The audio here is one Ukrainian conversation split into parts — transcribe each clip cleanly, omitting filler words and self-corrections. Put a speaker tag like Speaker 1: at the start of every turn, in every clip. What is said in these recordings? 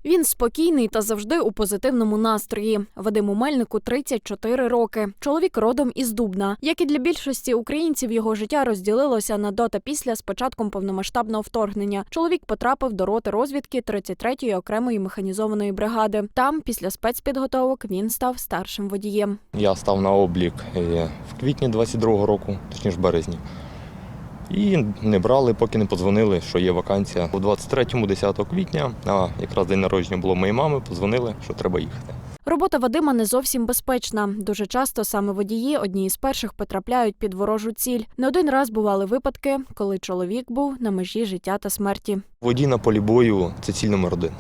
Speaker 1: Він спокійний та завжди у позитивному настрої. Вадиму Мельнику 34 роки. Чоловік родом із Дубна. Як і для більшості українців, його життя розділилося на до та після з початком повномасштабного вторгнення. Чоловік потрапив до роти розвідки 33-ї окремої механізованої бригади. Там, після спецпідготовок, він став старшим водієм.
Speaker 2: Я став на облік в квітні 22-го року, точніше в березні. І не брали, поки не подзвонили, що є вакансія. У 23-му, 10 квітня, а якраз день народження було моєї мами, подзвонили, що треба їхати.
Speaker 1: Робота Вадима не зовсім безпечна. Дуже часто саме водії одні із перших потрапляють під ворожу ціль. Не один раз бували випадки, коли чоловік був на межі життя та смерті.
Speaker 2: Водій на полі бою – це ціль номер 1,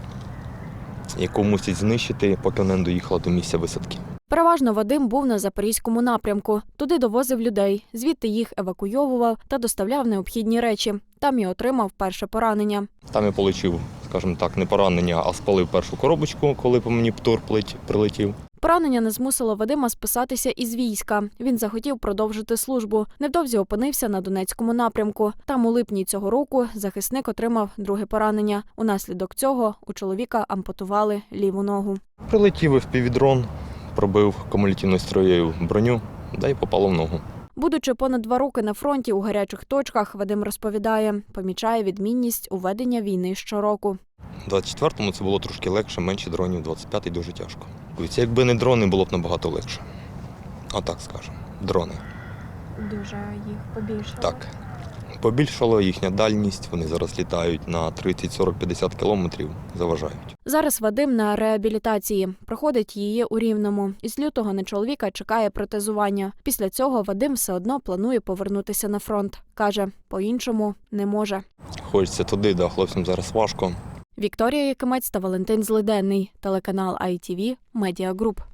Speaker 2: яку мусять знищити, поки вона не доїхала до місця висадки.
Speaker 1: Переважно Вадим був на Запорізькому напрямку. Туди довозив людей, звідти їх евакуйовував та доставляв необхідні речі. Там і отримав перше поранення.
Speaker 2: Там я отримав, скажімо так, не поранення, а спалив першу коробочку, коли по мені птур прилетів.
Speaker 1: Поранення не змусило Вадима списатися із війська. Він захотів продовжити службу. Невдовзі опинився на Донецькому напрямку. Там у липні цього року захисник отримав друге поранення. Унаслідок цього у чоловіка ампутували ліву ногу.
Speaker 2: Прилетів FPV-дрон, пробив кумулятивною строєю броню, да й попало в ногу.
Speaker 1: Будучи понад 2 роки на фронті у гарячих точках, Вадим розповідає, помічає відмінність у ведення війни щороку.
Speaker 2: У 24-му це було трошки легше, менше дронів, 25-й дуже тяжко. Якби не дрони, було б набагато легше. А так скажемо, дрони.
Speaker 1: Дуже їх побільшало?
Speaker 2: Так. Побільшало їхня дальність, вони зараз літають на 30, 40, 50 кілометрів, заважають.
Speaker 1: Зараз Вадим на реабілітації. Проходить її у Рівному. Із лютого на чоловіка чекає протезування. Після цього Вадим все одно планує повернутися на фронт. Каже, по-іншому не може.
Speaker 2: Хочеться туди, да, хлопцям зараз важко.
Speaker 1: Вікторія Якимець та Валентин Злиденний. Телеканал ITV Media Group.